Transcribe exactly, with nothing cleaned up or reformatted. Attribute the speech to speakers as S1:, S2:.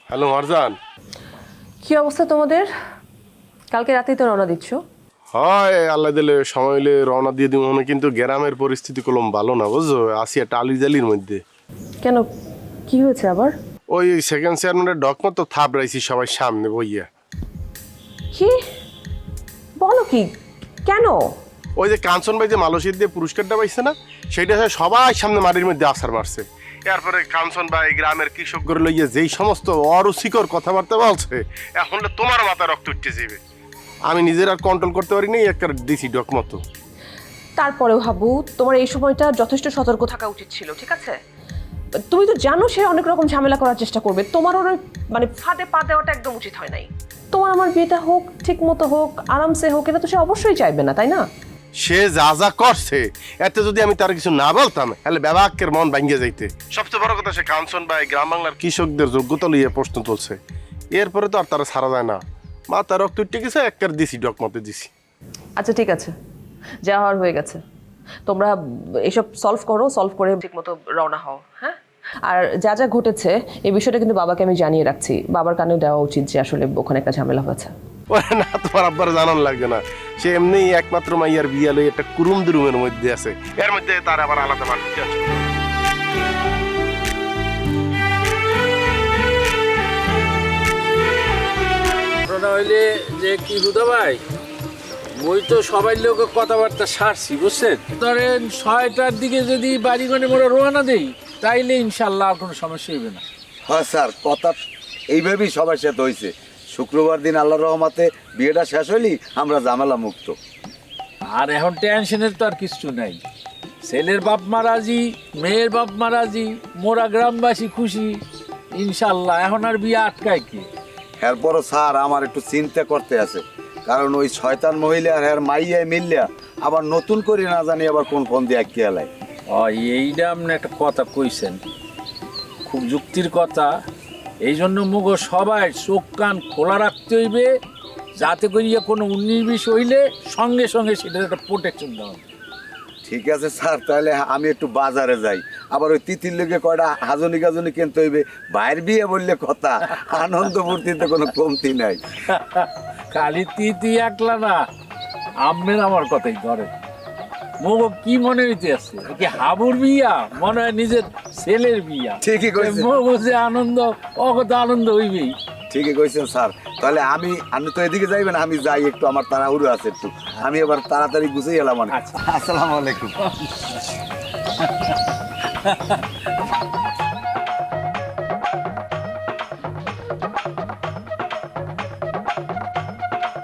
S1: Hello Marjan.
S2: কি অবস্থা তোমাদের? কালকে রাতেই তো রওনা দিচ্ছ।
S1: হয় আল্লাহ দিলে সময় হলে রওনা দিয়ে দিব মনে, কিন্তু গ্রামের পরিস্থিতি কলম ভালো না বুঝছো, আসি একটা আলি জালির মধ্যে।
S2: কেন, কি হয়েছে আবার?
S1: ওই সেকেন্ড চেয়ারম্যানের ডকমত তো থাপ রাইছি সবাই সামনে বইয়া।
S2: কি বলো? কি কেন?
S1: ওই যে কাঞ্চন ভাই যে মালয়েশিয়া দিয়ে পুরস্কারটা পাইছে না, সেইটা হচ্ছে সবাই সামনে মাটির মধ্যে আছাড় মারছে। এরপরে কাঞ্চন ভাই গ্রামের কৃষকদের লইয়া যেই সমস্ত অরুচিকর কথাবার্তা বলছে, এখন তোমার মাথা রক্ত উঠতে যাবে। আমি নিজের আর কন্ট্রোল করতে পারি নাই, একটা দিছি ডকমতো।
S2: তারপরেও হাবু, তোমার এই সময়টা যথেষ্ট সতর্ক থাকা উচিত ছিল, ঠিক আছে? তুমি তো জানো সে অনেক রকম ঝামেলা করার চেষ্টা করবে, তোমার ওর মানে ফাঁদে পা দেওয়াটা একদম উচিত হয় নাই। তোমার আমার বিয়েটা হোক, ঠিক মতো হোক, আরামসে হোক, এটা তো সে অবশ্যই চাইবে না, তাই না?
S1: সে যা যা করছে এতে যদি আমি তার কিছু না বলতাম তাহলে ব্যবাকের মন ভাঙ্গে যাইতে। সবচেয়ে বড় কথা, সে কাঞ্চন ভাই গ্রাম বাংলার কৃষকদের যোগ্যতা লইয়ে প্রশ্ন তুলছে। এরপরে তো আর তারা ছাড়া যায় না। মা তার রক্ত উঠে গেছে, একটার দিছি ডকমতে দিছি।
S2: আচ্ছা ঠিক আছে, যা হওয়ার হয়ে গেছে। তোমরা এসব সলভ করো, সলভ করে ঠিক মতো রওনা হও, হ্যাঁ? আর যা যা ঘটেছে এই বিষয়টা কিন্তু বাবাকে আমি জানিয়ে রাখছি, বাবার কানেও দেওয়া উচিত যে আসলে ওখানে একটা ঝামেলা হয়েছে।
S1: ওরে না, তোমার আব্বার জানান লাগবে না। সে এমনি একমাত্র মাইয়ার বিয়া লই একটা কুরুম দুরুমের মধ্যে আছে, এর মধ্যে তার আবার আলাদা বাড়তে আছে।
S3: ঘটনা হইলে যে কি হুদা ভাই, মই তো সবাই লোক কথাবার্তা সারছি বুঝছেন। ধরেন ছয়টার দিকে যদি বাড়িগণে মোড়ে রোয়ানা দেই তাইলে ইনশাল্লাহ আর কোনো সমস্যা হইবে না।
S4: হ্যাঁ স্যার, কথা এইভাবেই সবার সাথে হয়েছে। শুক্রবার দিন আল্লাহর রহমতে বিয়েটা শেষ হইলি আমরা ঝামেলা মুক্ত।
S3: আর এখন টেনশনের তো আর কিছু নাই। ছেলের বাপ মা রাজি, মেয়ের বাপ মা রাজি, মোরা গ্রামবাসী খুশি ইনশাল্লাহ। এখন আর বিয়ে আটকায় কি?
S4: এরপরও স্যার আমার একটু চিন্তা করতে আছে, কারণ ওই শয়তান মহিলা আর হ্যার মাইয়ায় মিললিয়া আবার নতুন করে না জানি আবার কোন ফোন দিয়ে আঁকিয়ে এলাই।
S3: ও এইটা আপনি একটা কথা কইছেন, খুব যুক্তির কথা। এই জন্য মুগ সবাই চোখ কান খোলা রাখতে হইবে, যাতে করিয়া কোনো উনিশ বিশ হইলে সঙ্গে সঙ্গে সেটার একটা প্রোটেকশন দেওয়া হবে।
S4: ঠিক আছে স্যার, তাহলে আমি একটু বাজারে যাই। আবার ওই তিতির লোকে কয়টা হাজনি গাজনি কিনতে হইবে। বাইর বিয়ে বললে কথা, আনন্দ ফুর্তিতে কোনো কমতি নাই।
S3: খালি তিতি একলা না, আমের আমার কথাই ধরে। মুগ কি মনে হইতে আছে কি হাবুর বিয়া, মনে হয় নিজের ছেলের বিয়া।
S4: ঠিকই কইছেন।
S3: মুগ যে আনন্দ, অগত আনন্দ হইবেই।
S4: ঠিকই কইছেন স্যার। তাহলে আমি আপনি তো এদিকে যাইবেন, আমি যাই একটু, আমার তাড়াহুড়ো আছে একটু। আমি এবার তাড়াতাড়ি গুছিয়ে এলাম অনেক।
S3: আচ্ছা।
S4: আসসালামু আলাইকুম।